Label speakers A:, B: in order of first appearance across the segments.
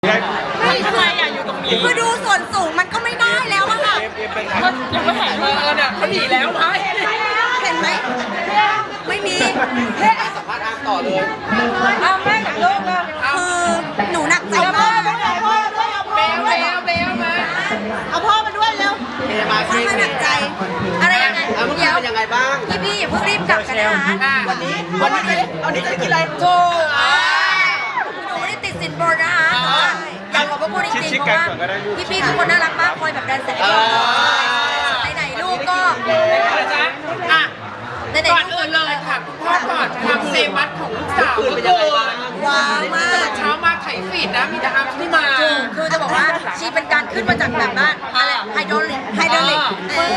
A: ไม่ทำไมอยากอยู่ตรงนี้
B: คือดูส่วนสูงมันก็ไม่ได้แล้วอะค่ะ
A: ยังไม่เห็นเลยเนี่ยเขาหนีแล้วไหม
B: เห็นไหมไม่มี
C: สัมภาษณ์อาร์มต่อเลย
A: เอาแม่กับลูกเลย
B: คือหนูหนักใจมาก
A: เบลมา
B: เอาพ่อมาด้วยเร็ว
C: เป็นยังไงบ้าง
B: หนักใจอะไรยังไง
C: เมื่อกี้เป็นยังไงบ้าง
B: พี่อย่าเพิ่งรีบกลับกันนะคะ
C: วันนี้จะกินอะไร
B: โธ่หนูไม่ได้ติดสินบนนะคะอยากขอบพระคุณจริงๆเพราะว่าพี่ทุกคนน่ารักมากคอยแบบดันแสงไหนๆลูกก็
A: ก่อนอื่นเลยค่ะคุณพ่อก่อนความเซมัสของลูกสาว
C: เป็นยังไงบ้าง
B: ว้าวมาก
A: เช้ามาไถฟีดนะมีแต่อาร์มที่มา
B: คือจะบอกว่าชีเป็นการขึ้นมาจากแบบว่าอะไรไฮโดรลิก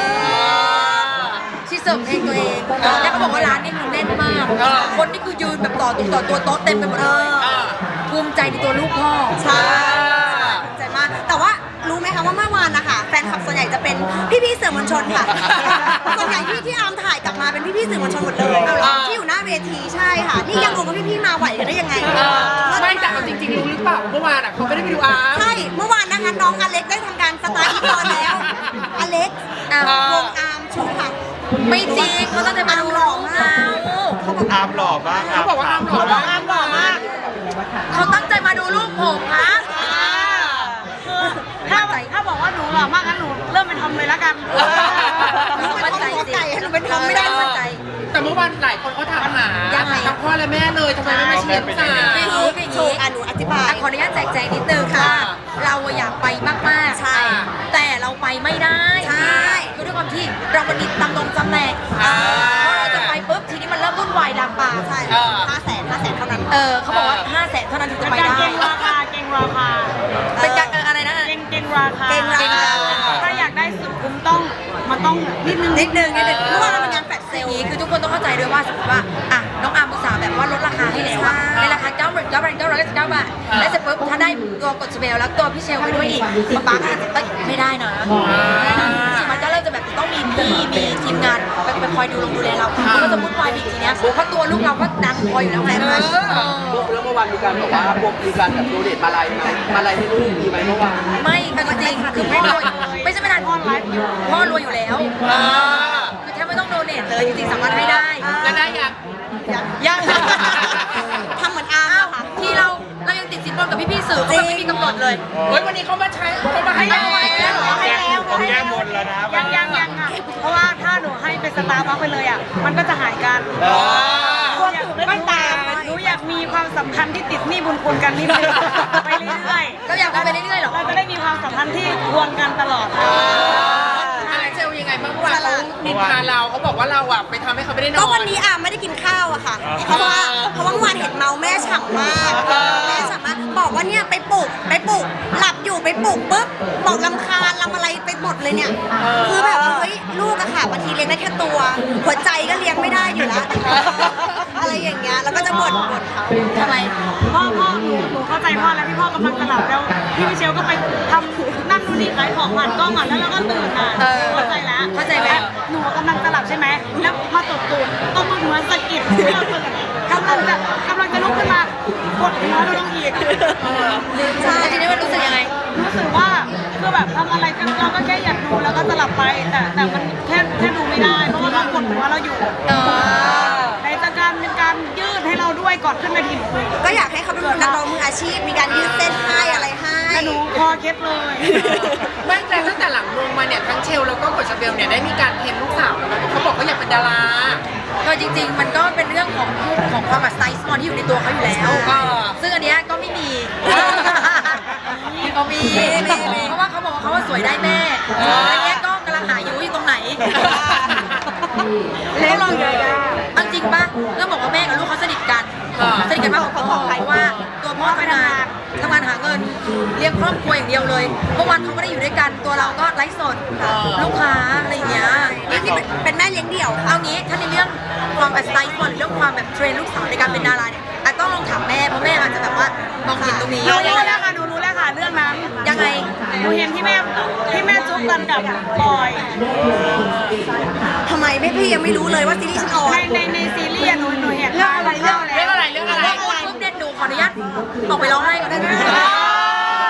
B: ชีเสิร์ฟเพลงตัวเองแล้วเขาบอกว่าร้านนี้คือแน่นมากคนนี่คือยืนแบบต่อตัวโต๊ะเต็มไปหมดเลยภูมิใจในตัวลูกพ่อใช่ภูมิใจมากแต่ว่ารู้ไหมคะว่าเมื่อวานนะคะแฟนคลับส่วนใหญ่จะเป็นพี่ๆสื่อมวลชนค่ะส่วนใหญ่ที่อาร์มถ่ายกลับมาเป็นพี่ๆสื่อมวลชนหมดเลยที่อยู่หน้าเวทีใช่ค่ะนี่ยังงงว่าพี่ๆมาไหวกันได้ยังไง
A: ไม่แต่เอาจริงๆรู้หรือเปล่าเมื่อวานเขาไม่ได้ไปดูอาร์ม
B: ใช่เมื่อวานนะคะน้องอเล็กได้ทำการสตาร์ทก่อนแล้วอเล็กวงอาร์มชูค่ะไม่จริงเขาตั้งใจมาดูหล่อมาก
D: อาร์มหล่อมาก
A: เขาบอกว่าอาร์มหล่อมาก
B: เขาตั้งใจมาดูลูกผมค่ะ
E: ถ้าบอกว่าหนูหล่อมากงั้นหนูเริ่มเป็นทอมเลยแล้วกัน
B: มั่นใจสิเราเป็นทอมไม่ได้มั่นใจ
A: แต่เมื่อวานหลายคนเขาถามหาทั้งพ่อและแม่เลยทำไมไม่มาเชียร์ลูกสาว
B: หนูอธิบายขออนุญาตแจกแจงนิดนึงค่ะเราอยากไปมากๆใช่แต่เราไปไม่ได้ใช่คือด้วยความที่เรามันมีตำแหน่งพอเราจะไปปุ๊บทีนี้มันเริ่มวุ่นวายลามปามใช่500,000เท่านั้นเขาบอกว่า500,000เท่านั้นถึงจะไปได้
E: เก่งราคา
B: เป็นการอะไรนะ
E: เก่งราคาถ้าอยากได้สุดคุ้มมันต้องนิดนึง
B: เพราะว่าเราเป็นงานแฟลชเซลล์คือทุกคนต้องเข้าใจด้วยว่าสมมติว่าน้องอาร์มอุตส่าห์แบบว่าลดราคาให้แล้วในราคา9,999 บาทแล้วเสร็จปุ๊บถ้าได้ตัวกดสเปลแล้วตัวพี่เชลไปด้วยอีกป๊าอาจจะไม่ได้นะมันก็เริ่มจะแบบต้องมีทีมงานไปคอยดูแลเราก็จะวุ่นวายอีกทีเนี้ยเพราะตัวลูกเราก็ดังพออยู่แล้วแฟนมัน
C: แล้วเมื่อวานมีการบอกว่าพวกมีการแบบโดเนทมาลัยให้ลูกมีไหมเมื่อวาน
B: ไม่จริงคือพ่อรวยไม่ใช่ไม่ได้พ่อไลฟ์อยู่พ่อรวยอยู่แล้วคือแทบไม่ต้องโดเนทเลยจริงๆสามารถให้ได้
A: แล้วได้
B: ยังทำเหมือนอาร์มค่ะที่เรายังติดสินบนกับพี่ๆสื่อเขาไม่มีกำหนดเลย
A: วันนี้เขามาให้แล้ว
D: ผมแก้บนแล้วนะ
E: ยังอ่ะเพราะว่าถ้าหนูให้เป็นสตาร์บัคไปเลยอ่ะมันก็จะหายกันไม่ตามหนูอยากมีความสัมพันธ์ที่ติดหนี้บุญคุณกันนิดนึงไปเรื่อย
B: ๆเราอยากไปเรื่อยๆหรอ
E: เราจะได้มีความสัมพันธ์ที่ทวงกันตลอด
A: อะไรเจลยังไงบ้างเมื่อวานเขานินทาเราเขาบอกว่าเราอ่ะไปทำให้เขาไม่ได้นอน
B: ก็วันนี้ไม่ได้กินข้าวอะค่ะเพราะว่าเมื่อวานเห็นเมาแม่ฉ่ำมากบอกว่าเนี่ยไปปลุกหลับอยู่ไปปลุกปุ๊บบอกรำคาญรำอะไรไปหมดเลยเนี่ยคือแบบเฮ้ยลูกอะค่ะบางทีเลี้ยงได้แค่ตัวหัวใจก็เลี้ยงไม่ได้อยู่แล้วอะไรอย่างเงี้ยแล้วก็จะบ่นเขาทำไม
E: พ่อหนูเข้าใจพ่อแล้วพี่พ่อกำลังจะหลับแล้วพี่มิเชลก็ไปทำนั่นนู่นนี่ขายของผ่านกล้องอ่ะแล้วเราก็ตื่นอ่ะเข้าใจไหมหนูกำลังจะหลับใช่ไหมแล้วพอตบตูดต้องเหมือนสะกิดที่เราตื่นกำลังจะลุกขึ้นมากดหัวเราลงอีก
B: ใช่ทีนี้มันรู้สึกยังไง
E: รู้สึกว่าคือแบบทำอะไรเราก็แค่อยากดูแล้วก็จะหลับไปแต่มันแค่ดูไม่ได้เพราะว่าเรากดหัวเราอยู่ในการยืดให้เราด้วยก่อนขึ้นเวที
B: ก็อยากให้เขาเป็นนักร้องมืออาชีพมีการยืดเส้นให้อะไรให้
E: แต่หนูพอเคล็ดเลย
A: ไม่แต่ตั้งแต่หลังลงมาเนี่ยทั้งเชลแล้วก็กดชาเบลเนี่ยได้มีการเทรนลูกสาวแล้วเขาบอกว่าอยากเป็นดารา
B: ก็จริงๆมันก็เป็นเรื่องของความแบบสไตล์สปอนที่อยู่ในตัวเขาอยู่แล้วซึ่งอันนี้ก็ไม่มีเขามีเพราะว่าเขาบอกว่าเขาสวยได้แม่อันนี้ก็กำลังหาอยู่ตรงไหนแล้วลองดูจริงป่ะเรื่องบอกว่าแม่กับลูกเขาสนิทกันมากกว่าพ่อเพราะว่าตัวพ่อทำงานหาเงินเลี้ยงครอบครัวอย่างเดียวเลยเมื่อวันเขาไม่ได้อยู่ด้วยกันตัวเราก็ไลฟ์สดลูกค้าอะไรอย่างเงี้ยนี่ที่เป็นแม่เลี้ยงเดี่ยวเอางี้ถ้าในเรื่องความแบบสไตล์หรือเรื่องความแบบเทรนลูกสาวในการเป็นดาราเนี่ยต้องลองถามแม่เพราะแม่อาจจะแบบว่ามองเห็นตรงนี้
E: หนูรู้แล้วค่ะเรื่องนั้น
B: ยังไง
E: หนูเห็นที่แม่จุ๊บกันกับปอย
B: ทำไมพี่ยังไม่รู้เลยว่าซีรีส์ฉันออน
E: ในซีรีส์หนูเห็นเรื่องอะไร
A: ปุ๊บเด็ดดูขออนุญาตออกไปร้องไห้ก่อนได้ไหม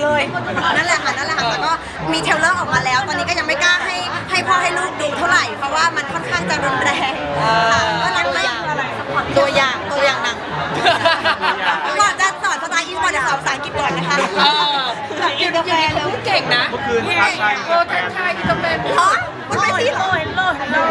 F: เลยนั่นแหละค่ะแล้วก็มีเทรลเลอร์ออกมาแล้ว ตอนนี้ก็ยังไม่กล้าให้พ่อให้ลูกดูเท่าไหร่เพราะว่ามันค่อนข้างจะรุนแรงค่ะก็รักไม่ตัวอย่างหนังก่อนจะสอนสไตล์อินก่อนจะสอนภาษาอังกฤษก่อนนะคะ
A: กินกาแฟเลยพูดเก่งนะ
D: เมื่อคืนทักทาย
A: ทักทายกินกาแฟ
F: เพราะมันไม่ที่โอ้ย
B: เรา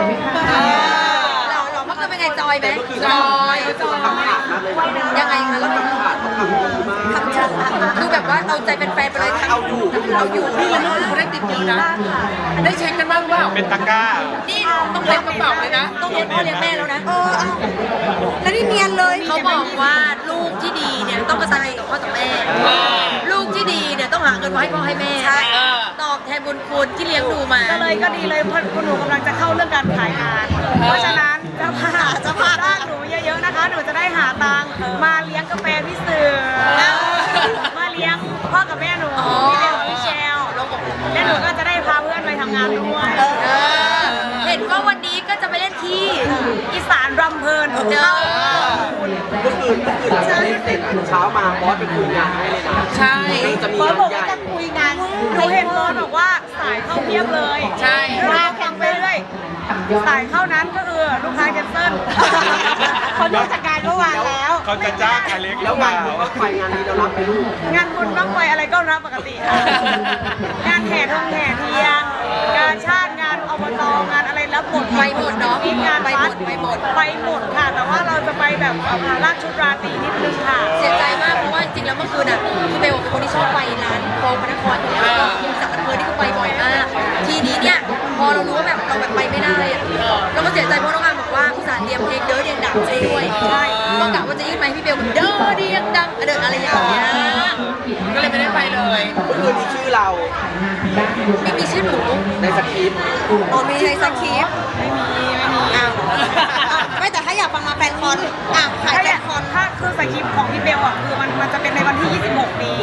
B: เมื่อคืนเป็นไงจอยไหม
A: จอย
C: ทำขาดมากเลย
B: ยังไงคะแล้ว
C: ทำขาดเขาทำดีมาก
B: ดูแบบว่าเอาใจเป็นแฟนไปเลย
C: เอาอยู่
A: นี่มันดูได้ติดเยอะนะ ได้เช็คกันบ้างเปล่า
D: เป็นตะกร้า
B: นี่ต้อง
A: เต็
B: เลี้ย
A: ม
B: ง
A: กระเป๋าเลยนะ
B: ต้องเลี้ยงพ่อเลี้ยงแม่แล้วนะ
F: แล้วนี่เนียนเลย
B: เขาบอกว่าลูกที่ดีเนี่ยต้องกตัญญูต่อพ่อต่อแม่ ลูกที่ดีเนี่ยต้องหาเงินมาให้พ่อให้แม่
F: ใช่
B: ตอบแทนบุญคุณที่เลี้ยงดูมา
E: ก็ดีเลยเพราะคุณหนูกำลังจะเข้าเรื่องการขายงาน เพราะฉะนั้นเจ้าภาพจ้างหนูเยอะๆนะคะ หนูจะได้หาตังค์มาเลี้ยงกาแฟพี่เสือมาเลี้ยงพ่อกับแม่หนูพี่เบลพี่เชลและหนูก็จะได้พาเพื่อนไปทำงานด้วย
B: เห็นว่าวันนี้ก็จะไปเล่นที่
E: อีสานรำเพลิน
C: เมื่อคืนจะเล่นเสร็จเช้ามาบอสไปคุยงานให้เลยนะ
A: ใช่
C: จะมีงานใหญ่
E: หนูเห็นบอลบอกว่าสายเข้าเพียบเลย
A: ใช่
E: มาแข่งไปเรื่อยสายเข้านั้นก็คือลูกค้าแคนเซิลเขาดูจากการเมื่อวานแล้ว
D: เขาจะจ้างอเล็กหรื
C: แล้
D: อ
C: ว
D: เป
C: งาน
D: ล่า
C: บุญก็ไฟงานนี้เรารับไปลูก
E: งานบุญบ้างไฟอะไรก็รับปกติค่ะงานแห่ทงแห่เทียนงานชาติงานอบตงานอะไรรับหมด
B: ไปหมดเนาะ
E: งาน
B: ไปหม
E: วั
B: ด
E: ด
B: ไปหมด
E: ไปหมดค่ะ แต่ว่าเราจะไปแบบราชชุดราตรีนิดนึงค่ะ
B: เสียใจมากเพราะว่าจริงๆแล้วเมื่อคืนอ่ะคือเบลเป็นคนที่ชอบไปร้านโฟมพระนครอยู่แล้วแล้วก็จากอำเภอที่เขาไปบ่อยมาก ทีนี้เนี่ยพอเรารู้ว่าแบบเราแบบไปไม่ได้อะเราก็เสียใจเพราะน้องงานบอกว่าอุตส่าห์เตรียมเพลงเด้อเดียงดังไปด้วยใช่ก็กะว่าจะยื่นไมค์ให้พี่เบลแบบเด้อเดียงดังเดินอะไรอย่างเงี้ย
A: ก็เลยไม่ได้ไปเลย
C: เมื่อคืนมีชื่อเรา
B: ไม่มีชื่อหนู
C: ในสคริปต์
F: มีในสคริปต์ไม่มีอ้าวไม่แต่ถ้าอยากฟังมาแฟนคอนขาย
E: ถ้า
F: แฟ
E: อยาน ก
F: คอน
E: ถ้าคือสคริปต์ของพี่เบลอ่ะคือมันจะเป็นในวันที่ 26 นี้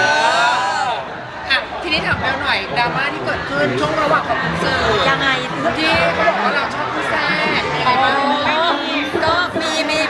A: ทีนี้ถามเบลหน่อยดราม่าที่เกิดขึ้นช่วงระหว่างของคุณสื่อ
B: ยังไง
A: ที่เขาบอกว่าเราชอบผู้แทรกยังไงบ้าง
B: ก็มี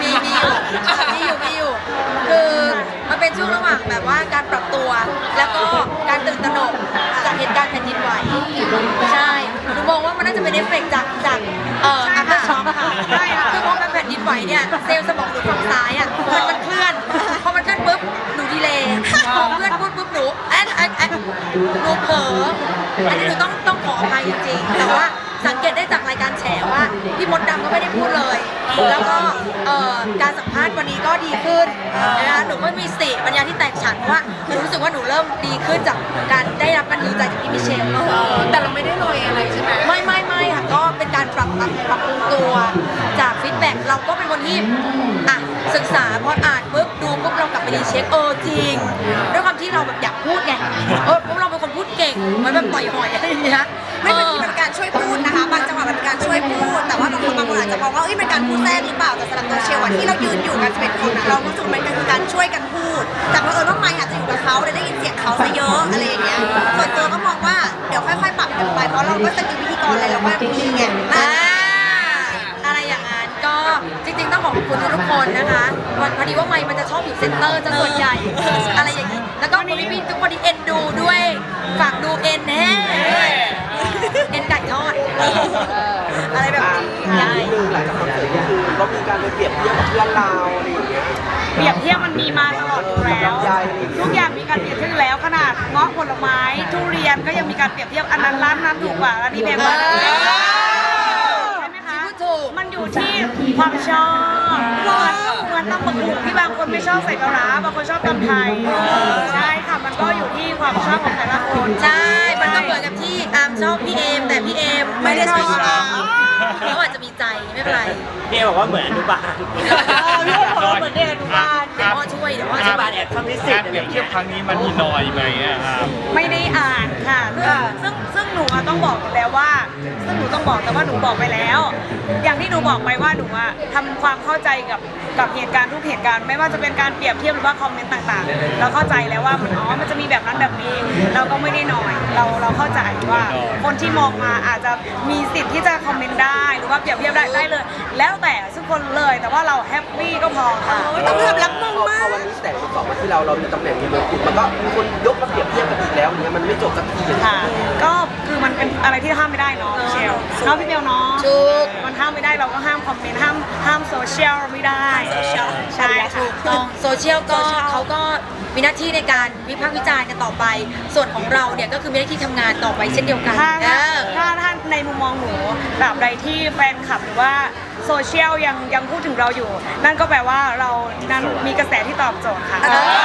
B: อยู่คือมันเป็นช่วงระหว่างแบบว่าการปรับตัว แล้วก็การตื่นตระหนกจากเหตุการณ์แผ่นดินไหวใช่หนูมองว่ามันน่าจะเป็นเอฟเฟกต์จากอัพเดอร์ช็อคค่ะใช่ค่ะคือพอมันแผ่นดินไหวเนี่ยเซลล์สมองหนูฝั่งซ้ายอ่ะมันเคลื่อนพอมันเคลื่อนปุ๊บหนูดีเลย์พอเพื่อนพูดปุ๊บหนูหนูเผลออันนี้หนูต้องขออภัยจริงๆแต่ว่าสังเกตได้จากรายการแฉว่าพี่มดดำก็ไม่ได้พูดเลย แล้วก็การสัมภาษณ์วันนี้ก็ดีขึ้นนะคะหนูก็มีสติปัญญาที่แตกฉานเพราะว่าหนูรู้สึกว่าหนูเริ่มดีขึ้นจากการได้รับการฮิวใจจากพี่มิเชล
A: แต่เราไม่ได้ลอยอะไรใช่ไหม
B: ไม่ค่ะก็เป็นการปรับปรุงตัวจากฟีดแบ็กเราก็เป็นคนที่ศึกษาพออ่านปุ๊บดูปุ๊บเรากลับไปรีเช็คจริงด้วยความที่เราแบบอยากพูดไงปุ๊บเราเป็นคนพูดเก่งเหมือนแบบต่อยหอยอะไรอย่างเงี้ย
F: ไม่บางทีเป็นการช่วยพูดนะคะบางจังหวะมันเป็นการช่วยพูด แต่ว่าบางคนอาจจะมองว่าเป็นการพูดแทรกหรือเปล่าแต่สำหรับตัวเชลที่เรายืนอยู่กัน11คนเรารู้สึกมันคือการช่วยกันพูด แต่เผอิญว่าไมค์อาจจะอยู่กับเขาได้ยินเสียงเขาซะเยอะอะไรอย่างเงี้ยส่วนตัวก็มองว่าเดี๋ยวค่อยๆปรับกันไปเพราะเราก็สกิลพิธีกรอะไรเราก็มีไง
B: อะไรอย่างนั้นก็จริงๆต้องขอบคุณทุกคนนะคะพอดีว่าไมค์มันจะชอบอยู่เซ็นเตอร์จะส่วนใหญ่อะไรอย่างนี้แล้วก็พี่ทุกคนที่เอ็นดูด้วยฝากดูเอ็นแน่เอ็นไก่ทอดอะไรแบบนี้
C: ได้หลังจากคอนเสิร์ตคือก็มีการไปเปรียบเทียบกับเพื่อนเราอะไรอย่างเงี้ย
E: เปรียบเทียบมันมีมาตลอดอยู่แล้ว ทุกอย่างมีการเปรียบเทียบอยู่แล้วขนาดเงาะผลไม้ทุเรียนก็ยังมีการเปรียบเทียบอันนั้นร้านนั้นถูกกว่าร้านนี้แพงกว่าใช่ไหมคะมันอยู่ที่ความชอบเหมือนตำบักหุ่งที่บางคนไม่ชอบใส่ปลาร้าบางคนชอบตำไทยใช่ค่ะมันก็อยู่ที่ความชอบของแต่ละคน
B: ใช่มันก็เหมือนกับที่อาร์มชอบพี่เอมแต่พี่เอมไม่ได้ชอบอาร์มเขาอาจจะมีใจไม่เป็นไร
G: พี่บอกว่าเหมือนอนุบาล
B: พี่บอกว่าเหมือนเด็กอนุบาลเดี๋ยวพ่อช่วยเดี๋ยวพ่อ
G: อ
B: ช่
G: นุ
B: วย
G: บาลแอบทำนิสิ
D: กา
G: ต
D: ร
G: อะ
D: เป
G: ไร
D: รี
G: อย
D: บ
G: ย่าง
D: เที
G: เงี้
D: ยบ
G: ย
D: ครั้งนี้มันมีนอยไหมอะครับ
E: ไม่ได้อ่านค่ะซึ่งหนูต้องบอกแล้วว่าซึ่งหนูต้องบอกแต่ว่าหนูบอกไปแล้ว อย่างที่หนูบอกไปว่าหนูทำความเข้าใจกับเหตุการณ์ทุกเหตุการณ์ไม่ว่าจะเป็นการเปรียบเทียบหรือว่าคอมเมนต์ต่างๆเราเข้าใจแล้วว่ามันจะจะมีแบบนั้นแบบนี้เราก็ไม่ได้น้อยเราเข้าใจว่าคนที่มองมาอาจจะมีสิทธิ์ที่จะคอมเมนต์ได้หรือว่าเปรียบเทียบได้เลย แล้วแต่ทุกคนเลยแต่ว่าเราแฮปปี้ก็พอค่ะ
F: ต้องยอมรับมง
C: พอ
F: มาก
C: วันนี้แสงสองมาที่เรามีตำแหน่งมีมงกุฎมันก็มีคนยกมาเปรียบเทียบกันอีกแล้วเนี่ยมันไม่จบสักทีเลย
E: ค่ะก็คือมันเป็นอะไรที่ห้ามไม่ได้เนาะเชลเนาะพี่เบลเนาะ
B: ถูก
E: มันห้ามไม่ได้เราก็ห้ามคอมเมนต์ห้ามโซเชียลไม่ได้ใช่ค่ะ
B: ถูกต้องโซเชียลก็เขาก็มีหน้าที่ในการวิพากษ์วิจารณ์กันต่อไป ส่วนของเราเนี่ยก็คือมีหน้าที่ทำงานต่อไปเช่นเดียวกัน
E: ถ้าในมุมมองหนูแบบใดที่แฟนคลับหรือว่าโซเชียลยังพูดถึงเราอยู่ นั่นก็แปลว่าเรานั้นมีกระแสที่ตอบโจทย์ค่ะ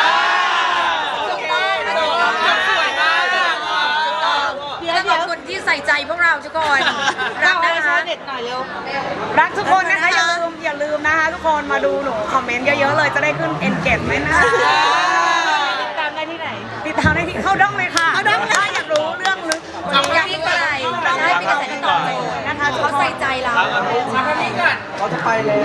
B: ขอบคุณที่ใส่ใจพวกเราทุกคนรักนะคะ
E: รักทุกคนนะคะอย่าลืมนะคะทุกคนมาดูหนูคอมเมนต์เยอะๆเลยจะได้ขึ้น engagement นะคะติดตามได้ที่ไหนติดตามได้ที่เข้าด้อมเลยค่ะเข้าด้อมถ้าอยากรู้เรื่องลึก
B: อยากรู้อะไรใช่มีกระแสที่ตอบโจทย์
E: นะคะ
B: เขาใส่ใจเรา
A: เอาคนนี้ก่อน
C: เขาจะไปแล้ว